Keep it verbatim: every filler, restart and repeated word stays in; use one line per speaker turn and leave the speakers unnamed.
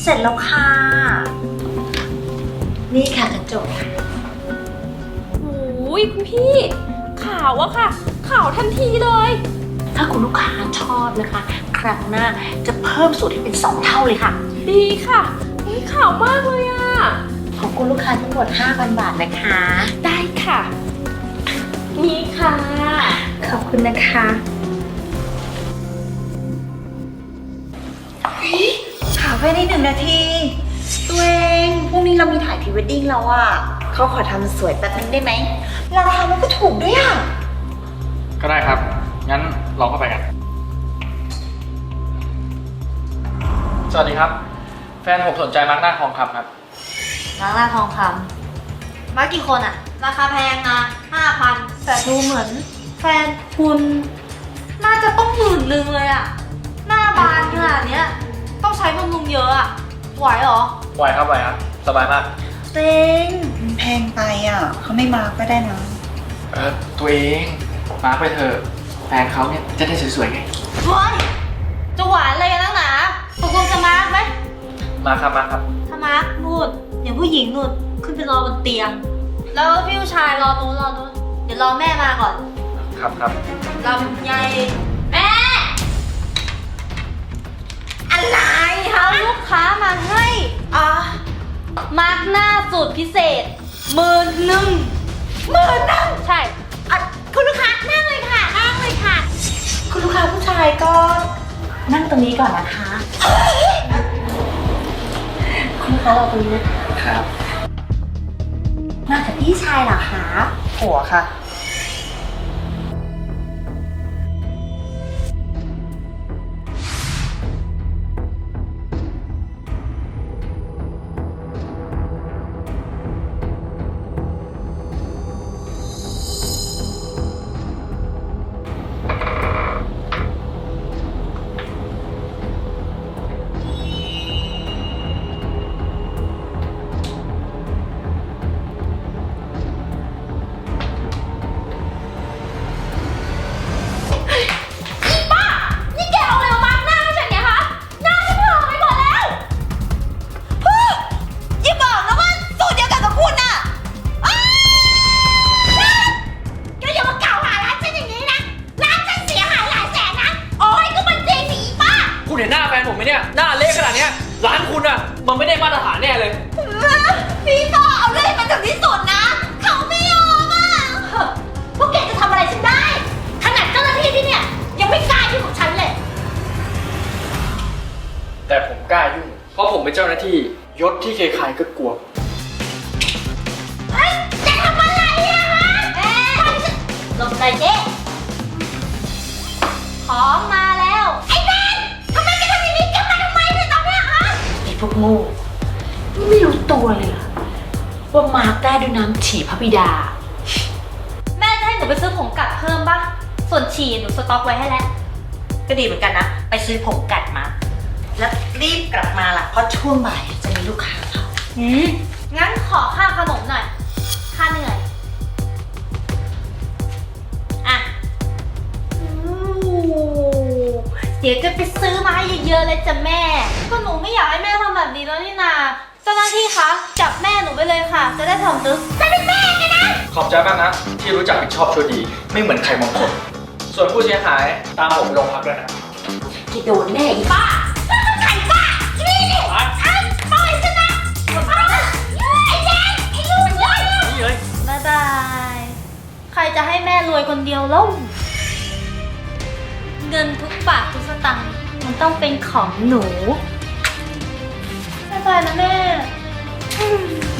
เสร็จแล้วค่ะนี่ค่ะกระจก
โอ้ยคุณพี่ขาวอะค่ะขาวทันทีเลย
ถ้าคุณลูกค้าชอบนะคะครั้งหน้าจะเพิ่มสูตรให้เป็นสองเท่าเลยค่ะ
ดีค่ะอุ๊ยขาวมากเลยอะ
ของคุณลูกค้าทั้งหมด ห้าพัน บาทนะคะ
ได้ค่ะนี่ค่ะ
ขอบคุณนะคะถามไปในหนึ่งนาทีตัวเองพรุ่งนี้เรามีถ่ายพรีเวดดิ้งแล้วอ่ะเขาขอทำสวยแป๊บนึงได้ไหมราคามันก็ถูกด้วยอ่ะ
ก็ได้ครับงั้นลองเข้าไปกันสวัสดีครับแฟนผมสนใจมาร์กหน้าทองคำครับ
มาร์กหน้าทองคำมาร์กกี่คนอะราคาแพงนะห้าพันแต่ดูเหมือนแฟนคุณน่าจะต้องหมื่นนึงเลยอะหน้าบานขนาดเนี้ยต้องใช้บำรุงเยอะอะไหวเหรอ
ไหวครับไหวครับสบายมาก
เต็งแพงไปอ่ะเขาไม่มาก็ได้นะ
เออตัวเองมาร์กไปเถอะแฟนเขาเนี่ยจะได้สวยๆไง
เฮ้ยจะหวานอะไรกันนักหนาตกลงจะมาร์กไหม
มาครับมาครับ
ถ้ามาร์กนู่นอย่างผู้หญิงนู่นขึ้นไปรอบนเตียงแล้วพี่ผู้ชายรอนู้นรอนู้นเดี๋ยวรอแม่มาก่อน
ครับครับ
ลำไยแม่อะไรคะลูกค้ามาให้อ่ะมาร์กหน้าสูตรพิเศษหมื่นหนึ่งหมื่นหนึ่งใช่อ่ะคุณลูกค้านั่งเลยค่ะนั่งเลยค่ะ
คุณลูกค้าผู้ชายก็นั่งตรงนี้ก่อนนะคะคุณลูกค้าเราตรงนี้
นะครับ
มากับพี่ชายเหรอคะผัวค่ะ
คุณเห็นหน้าแฟนผมไหมเนี่ยหน้าเละขนาดนี้ร้านคุณอะมันไม่ได้มาตรฐานแน่เลย
พี่ต่อเอาเลยมันถึงที่สุดนะเขาไม่ยอมอ่ะพวกแกจะทำอะไรฉันได้ขนาดเจ้าหน้าที่ที่เนี่ยยังไม่กล้ายุ่งกับฉันเลย
แต่ผมกล้ายุ่งเพราะผมเป็นเจ้าหน้าที่ยศที่ใครๆก็กลัว
เฮ้ยจะทำอะไรอะฮะเอ๊ะลงใจเจ๊ของมาแล้วไอ้แมนทำไมแกทำอย่างนี้แกมาทำไมเนี่ยตอนเนี้ยฮะ
ไอ้พวกโง่ไม่รู้ตัวเลยเหรอว่ามาร์กได้ด้วยน้ำฉี่พระบิดา
แม่จะให้หนูไปซื้อผงกัดเพิ่มป่ะส่วนฉี่หนูสต็อกไว้ให้แล้ว
ก็ดีเหมือนกันนะไปซื้อผงกัดมาแล้วรีบกลับมาล่ะเพราะช่วงบ่ายจะมีลูกค้าเขา
อืมงั้นขอค่าขนมหน่อยค่าเหนื่อยอ่ะเดี๋ยวจะไปซื้อมาให้เยอะๆเลยจ้ะแม่ก็หนูไม่อยากให้แม่ทำแบบนี้แล้วนี่นาเจ้าหน้าที่คะจับแม่หนูไปเลยค่ะจะได้ทำตึ๊กจะเป็นแม่ไงนะ
ขอบใจมากนะที่รู้จักผิดชอบชั่วดีไม่เหมือนใครบางคนส่วนผู้เสียหายตามผมไปโรงพักด้วยนะ
ที่โดนแน่อีบ้า
ไข่บ้านี่นี่ไอ้ปล่อยฉันนะไอ้แดงไอ้ลูกเลย
นี่เลย
บ๊ายบายใครจะให้แม่รวยคนเดียวแล้วเงินทุกบาททุกสตางค์มันต้องเป็นของหนูบ๊ายบายนะแม่